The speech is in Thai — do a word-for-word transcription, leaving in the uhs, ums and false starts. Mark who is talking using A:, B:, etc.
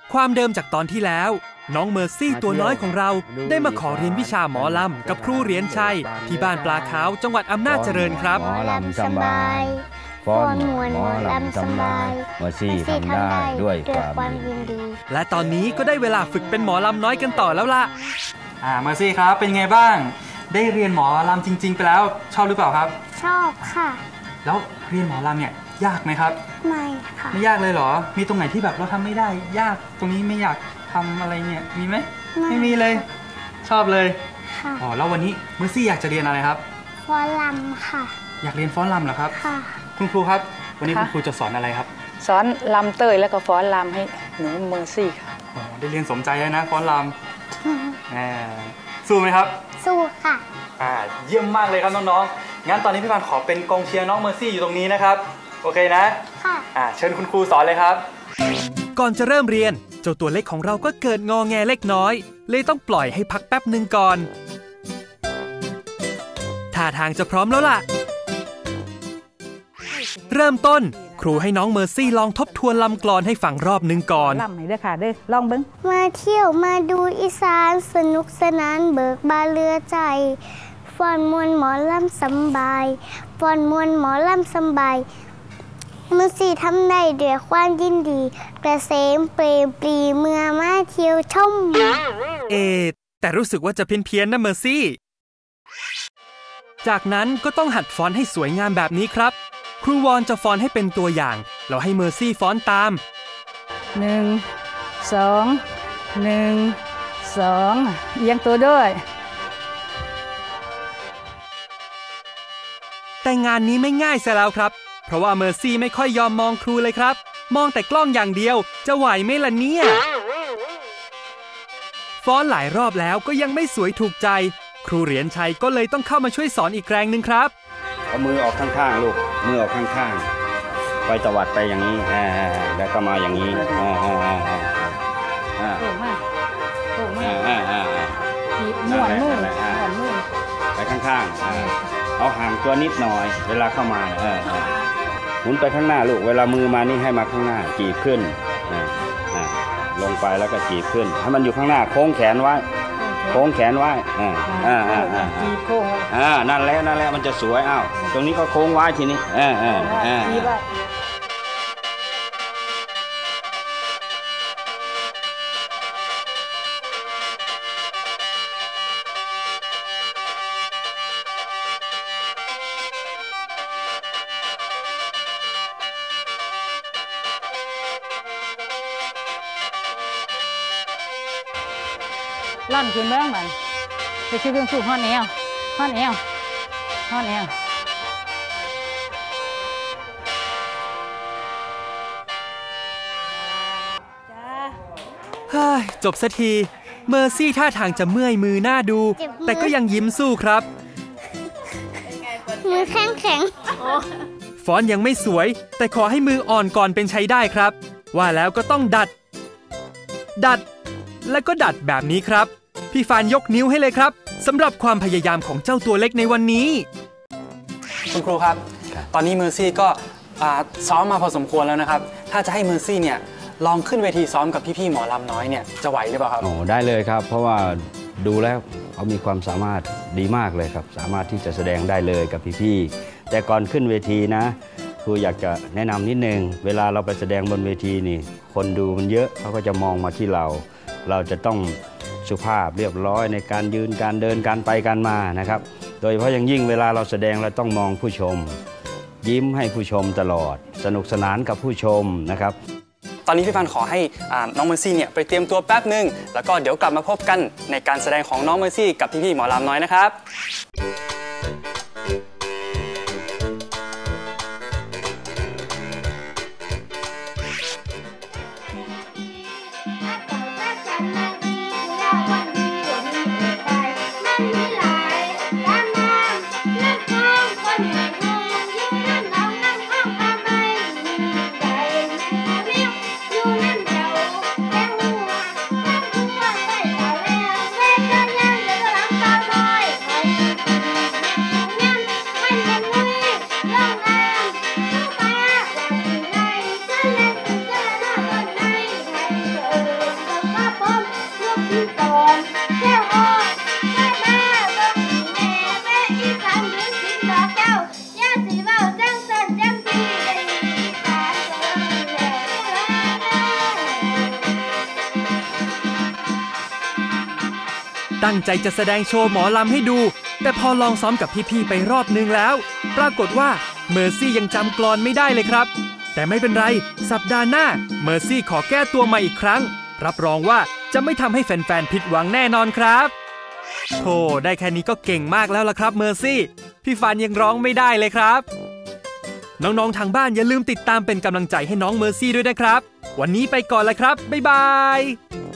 A: ความเดิมจากตอนที่แล้วน้องเมอร์ซี่ตัวน้อยของเราได้มาขอเรียนวิชาหมอลำกับครูเหรียญชัยที่บ้านปลาขาวจังหวัดอำนาจเจริญครับ
B: หมอลำสบายฟ้อนหมอลำสบายเมอร์ซี่ทำได้ด้วยความยินดี
A: และตอนนี้ก็ได้เวลาฝึกเป็นหมอลำน้อยกันต่อแล้วล่ะ
C: อ่าเมอร์ซี่ครับเป็นไงบ้างได้เรียนหมอลำจริงๆไปแล้วชอบหรือเปล่าครับ
D: ชอบค่ะ
C: แล้วเรียนหมอลำเนี่ยยากไหมครับ
D: ไม่ค่ะ
C: ไม่ยากเลยเหรอมีตรงไหนที่แบบเราทำไม่ได้ยากตรงนี้ไม่อยากทำอะไรเนี่ยมีไหมไม่มีเลยชอบเลย
D: ค่ะ
C: อ๋อแล้ววันนี้เมอร์ซี่อยากจะเรียนอะไรครับ
D: ฟ้อนลำค่ะ
C: อยากเรียนฟ้อนลำเหรอครับ
D: ค่ะ
C: คุณครูครับวันนี้คุณครูจะสอนอะไรครับ
E: สอนลำเต้ยแล้วก็ฟ้อนลำให้หนูเมอร์ซี่ค่ะ
C: อ๋อได้เรียนสมใจเลยนะฟ้อนลำแหมสู้ไหมครับ
D: สู้ค่ะ
C: อ่าเยี่ยมมากเลยครับน้องๆงั้นตอนนี้พี่ปานขอเป็นกองเชียร์น้องเมอร์ซี่อยู่ตรงนี้นะครับโอเคนะ
D: ค่ะ
C: อ่าเชิญคุณครูสอนเลยครับ
A: ก่อนจะเริ่มเรียนเจ้าตัวเล็กของเราก็เกิดงอแงเล็กน้อยเลยต้องปล่อยให้พักแป๊บหนึ่งก่อนท่าทางจะพร้อมแล้วล่ะเริ่มต้นครูให้น้องเมอร์ซี่ลองทบทวนลำกลอนให้ฟังรอบหนึ่งก่อน
E: ลำให้เด้อค่ะเด้อลองเบิ้ง
D: มาเที่ยวมาดูอีสานสนุกสนานเบิกบานเรือใจฟ้อนมวนหมอลำสบายฟ้อนมวนหมอลำสบายเมอร์ซี่ทำได้ด้วยความยินดีกระเสมเปรมปรีเมื่อมาเที่ยวชม
A: เอแต่รู้สึกว่าจะเพี้ยนๆนะเมอร์ซี่จากนั้นก็ต้องหัดฟ้อนให้สวยงามแบบนี้ครับครูวอนจะฟ้อนให้เป็นตัวอย่างแล้วให้เมอร์ซี่ฟ้อนตาม
E: หนึ่งสองหนึ่งสองเอียงตัวด้วย
A: แต่งานนี้ไม่ง่ายซะแล้วครับเพราะว่าเมอร์ซี่ไม่ค่อยยอมมองครูเลยครับมองแต่กล้องอย่างเดียวจะไหวไหมล่ะเนี่ยฟ้อนหลายรอบแล้วก็ยังไม่สวยถูกใจครูเหรียญชัยก็เลยต้องเข้ามาช่วยสอนอีกแรงหนึ่งครับ
B: เอามือออกข้างๆลูกมือออกข้างๆไปตวัดไปอย่างนี้อ่าแล้วก็มาอย่างนี้อ่าอ่าอ่าอ่า
E: โอ้มากโอ้มาก
B: อ่าอ่า
E: หมุนมือหมุนมือ
B: ไปข้างๆอ่าเอาห่างตัวนิดหน่อยเวลาเข้ามาเออหมุนไปข้างหน้าลูกเวลามือมานี่ให้มาข้างหน้าจีบขึ้นอ่าอ่าลงไปแล้วก็จีบขึ้นให้มันอยู่ข้างหน้าโค้งแขนไว้โค้งแขนไว้อ่าอ่าอ่าอ่า
E: จีบโค้ง
B: อ่านั่นแหละนั่นแหละมันจะสวยอ้าวตรงนี้ก็โค้งไว้ทีนี้อ่าอ่าอ่าจีบไว้ล่อนขึ้นเบื้องมันไปชื่อเรื่องสูงห้อนเอวห้อนเอวห้อนเอว
A: ฮ่าจบสักทีเมอร์ซี่ท่าทางจะเมื่อยมือหน้าดูแต่ก็ยังยิ้มสู้ครับ
D: มือแข็งแข็ง
A: ฟ้อนยังไม่สวยแต่ขอให้มืออ่อนก่อนเป็นใช้ได้ครับว่าแล้วก็ต้องดัดดัดและก็ดัดแบบนี้ครับพี่ฟานยกนิ้วให้เลยครับสำหรับความพยายามของเจ้าตัวเล็กในวันนี้
C: คุณครูครับตอนนี้เมอร์ซี่ก็ซ้อมมาพอสมควรแล้วนะครับถ้าจะให้เมอร์ซี่เนี่ยลองขึ้นเวทีซ้อมกับพี่ๆหมอลำน้อยเนี่ยจะไหวหรือเปล่าครับ
B: โอ้ได้เลยครับเพราะว่าดูแล้วเขามีความสามารถดีมากเลยครับสามารถที่จะแสดงได้เลยกับพี่ๆแต่ก่อนขึ้นเวทีนะครูอยากจะแนะนำนิดนึงเวลาเราไปแสดงบนเวทีนี่คนดูมันเยอะเขาก็จะมองมาที่เราเราจะต้องสุภาพเรียบร้อยในการยืนการเดินการไปการมานะครับโดยเฉพาะอย่างยิ่งเวลาเราแสดงเราต้องมองผู้ชมยิ้มให้ผู้ชมตลอดสนุกสนานกับผู้ชมนะครับ
C: ตอนนี้พี่พันขอให้น้องเมอร์ซี่เนี่ยไปเตรียมตัวแป๊บนึงแล้วก็เดี๋ยวกลับมาพบกันในการแสดงของน้องเมอร์ซี่กับพี่ๆหมอลำน้อยนะครับ
A: ตั้งใจจะแสดงโชว์หมอลำให้ดู แต่พอลองซ้อมกับพี่ๆไปรอบนึงแล้ว ปรากฏว่าเมอร์ซี่ยังจำกลอนไม่ได้เลยครับแต่ไม่เป็นไรสัปดาห์หน้าเมอร์ซี่ขอแก้ตัวมาอีกครั้งรับรองว่าจะไม่ทำให้แฟนๆผิดหวังแน่นอนครับโธ่ได้แค่นี้ก็เก่งมากแล้วล่ะครับเมอร์ซี่พี่ฟานยังร้องไม่ได้เลยครับน้องๆทางบ้านอย่าลืมติดตามเป็นกำลังใจให้น้องเมอร์ซี่ด้วยนะครับวันนี้ไปก่อนแล้วครับบ๊ายบาย